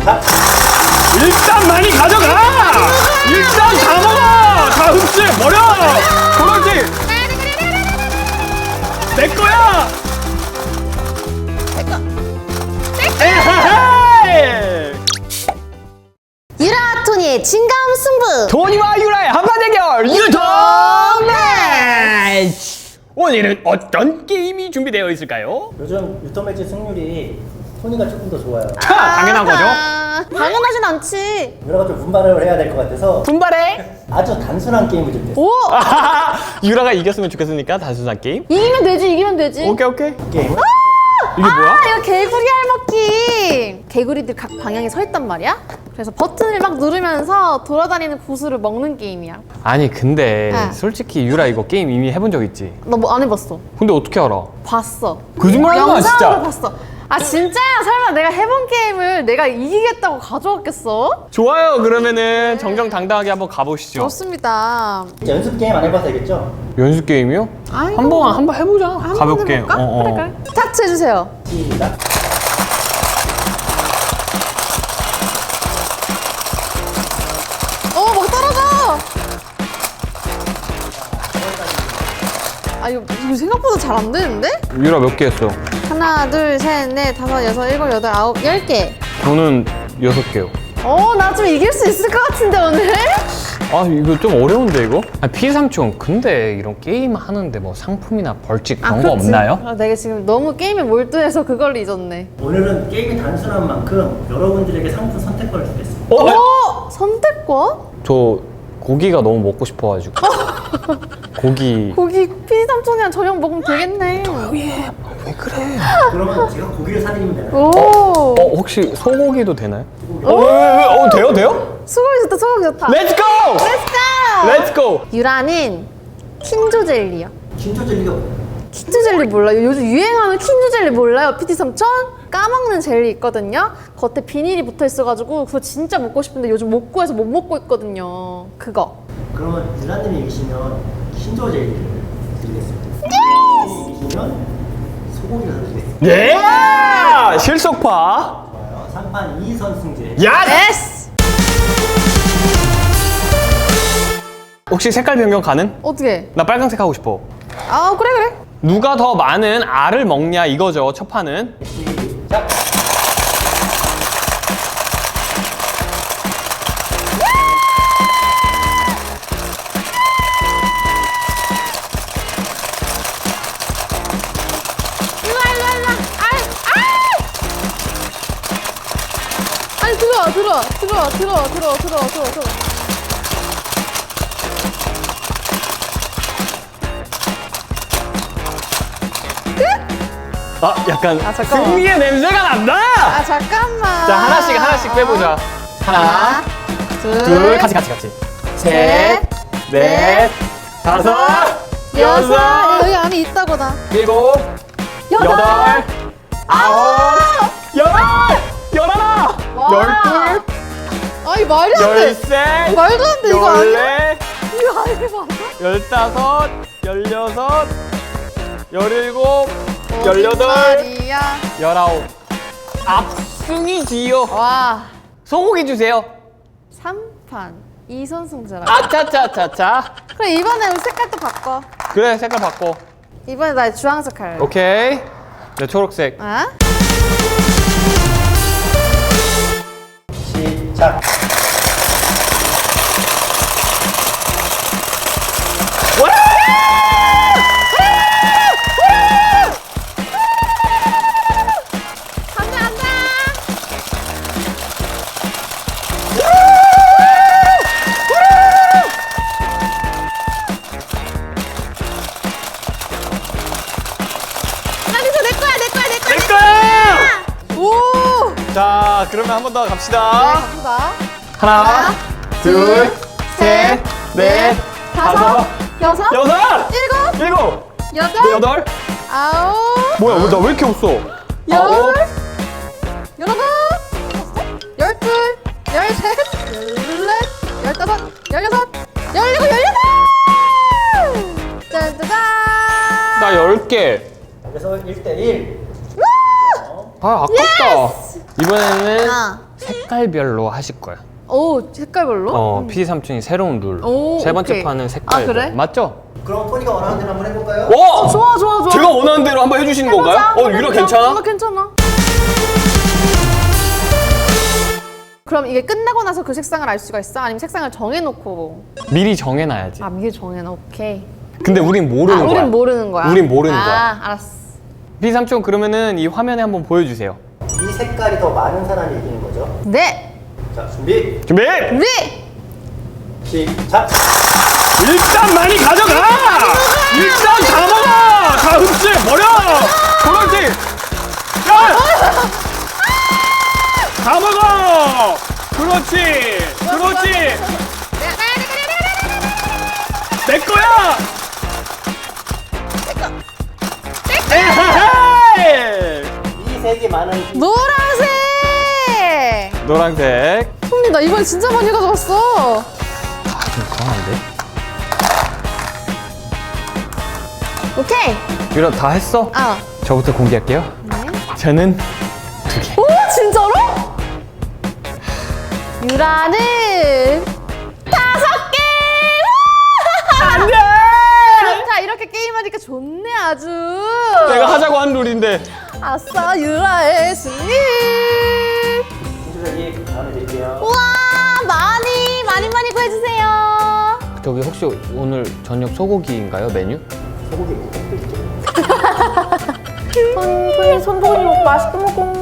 자, 일단 많이 가져가! 일단 다 먹어! 다 흡수해 버려! 그렇지! 내 거야! 에헤헤! 유라 토니의 진감 승부. 토니와 유라의 한판 대결 유통 매치! 오늘은 어떤 게임이 준비되어 있을까요? 요즘 유통 매치 승률이 토니가 조금 더 좋아요. 당연한 거죠? 당연하진 않지. 유라가 좀 분발을 해야 될 것 같아서 분발해! 아주 단순한 게임을 준비했어요. 오! 유라가 이겼으면 좋겠으니까 단순한 게임? 이기면 되지, 이기면 되지. 오케이 오케이. 게임은 이게 뭐야? 이거 개구리 알먹기. 개구리들 각 방향에 서 있단 말이야. 그래서 버튼을 막 누르면서 돌아다니는 고수를 먹는 게임이야. 아니 근데 네. 솔직히 유라 이거 게임 이미 해본 적 있지? 너 뭐 안 해봤어? 근데 어떻게 알아? 봤어. 거짓말하지 마, 진짜. 영상으로 봤어. 아 진짜야? 설마 내가 해본 게임을 내가 이기겠다고 가져왔겠어? 좋아요. 그러면은 정정당당하게 한번 가보시죠. 좋습니다. 이제 연습 게임 안 해봐서 알겠죠? 연습 게임이요? 아이고. 한번 해보자. 한번 가볍게. 해볼까? 그래, 그래. 스타트 해주세요. 시작. 막 떨어져. 아 이거 생각보다 잘 안 되는데? 유라 몇 개 했어? 하나, 둘, 셋, 넷, 다섯, 여섯, 일곱, 여덟, 아홉, 10개. 저는 6개요. 나 좀 이길 수 있을 것 같은데 오늘? 아 이거 좀 어려운데 이거? 아 피삼촌 근데 이런 게임 하는데 뭐 상품이나 벌칙 그런 거 그렇지. 없나요? 내가 지금 너무 게임에 몰두해서 그걸 잊었네. 오늘은 게임이 단순한 만큼 여러분들에게 상품 선택권을 주겠습니다. 선택권? 저 고기가 너무 먹고 싶어가지고 고기 고기 피삼촌이랑 저녁 먹으면 되겠네. 왜 그래? 그러면 제가 고기를 사드리면 되나요? 오. 혹시 소고기도 되나요? 소고기. 돼요? 소고기 좋다, 소고기 좋다. 렛츠고! 렛츠고! 유라는 킨조 젤리요. 진짜 젤리가 뭐예요? 킨조 젤리 몰라요? 요즘 유행하는 킨조 젤리 몰라요? PT 삼촌? 까먹는 젤리 있거든요? 겉에 비닐이 붙어 있어가지고 그거 진짜 먹고 싶은데 요즘 못 구해서 못 먹고 있거든요. 그거. 그러면 유라님이 이기시면 킨조 젤리를 드리겠습니다. 이기시면 소고기를 사드리겠습니다. 예! 실속파 좋아요. 3판 2선승제. 야! 예스! 혹시 색깔 변경 가능? 어떻게? 나 빨강색 하고 싶어. 그래 그래. 누가 더 많은 알을 먹냐 이거죠 첫 판은. 시작. 일로와. 아니 들어와. 약간 잠깐만. 승리의 냄새가 난다. 잠깐만. 자 하나씩 빼보자. 하나, 둘, 같이. 셋, 넷, 다섯, 여섯, 여기 안에 있다고 나. 일곱, 여덟, 아홉, 열하나, 열둘, 아니 말이 안 돼. 열셋, 말도 안 돼, 이거 아니야? 열넷, 이거 아니야 맞아? 열다섯, 열여섯, 열일곱, 열여덟, 말이야. 열아홉. 압승이지요. 와. 소고기 주세요. 3판 2선승제라. 아차차차차. 그래 이번에 우리 색깔도 바꿔. 그래 색깔 바꿔. 이번에 나 주황색 할래. 오케이. 네 초록색. 아? 시작. 안돼. 아니서 내 거야. 내 거야. 오. 자 그러면 한 번 더 갑시다. 갑시다. 하나, 둘, 셋, 넷, 다섯, 여섯, 여섯, 일곱, 일곱, 여덟, 여덟. 아홉, 뭐야 나 왜 이렇게 없어? 열, 열하나, 열둘, 열셋, 열넷, 열다섯, 열여섯, 열일곱, 열여덟! 짠짜잔! 나 10개. 그래서 1대1. 아 아깝다. 이번에는 아, 색깔 색깔별로 하실 거야. 오, 색깔별로? PD 삼촌이 새로운 룰. 오, 세 번째 오케이. 판은 색깔. 아, 그래? 맞죠? 그럼 토니가 원하는 대로 한번 해볼까요? 오! 좋아, 좋아, 좋아. 제가 원하는 대로 한번 해주시는 해보자. 건가요? 유라 괜찮아? 괜찮아. 그럼 이게 끝나고 나서 그 색상을 알 수가 있어? 아니면 색상을 정해놓고? 미리 정해놔야지. 아, 미리 정해놔. 오케이. 근데 우린 모르는 거야. 우린 모르는 거야. 우린 모르는 거야. 아, 알았어. PD 삼촌 그러면은 이 화면에 한번 보여주세요. 이 색깔이 더 많은 사람이 이기는 거죠. 네. 자, 준비, 준비! 네. 시작! 일단 많이 가져가! 일단 다 먹어! 다 흡수해 버려! 그렇지! 야! 다 먹어! 그렇지! 그렇지! 내 거야! 에헤헤이! 이 색이 많은 노란색. 노란색. 형님, 나 이번에 진짜 많이 가져갔어. 좀 강한데? 오케이. 유라 다 했어? 아. 저부터 공개할게요. 네. 저는 2개. 오, 진짜로? 유라는 5개! 안 돼! 좋다, 이렇게 게임하니까 좋네, 아주. 내가 하자고 한 룰인데. 아싸, 유라의 승리! 신주색이 다음에 드릴게요. 우와, 많이 구해주세요. 저기 혹시 오늘 저녁 소고기인가요, 메뉴? 소고기 무겁게 있죠. 손보이 맛있게 먹고 온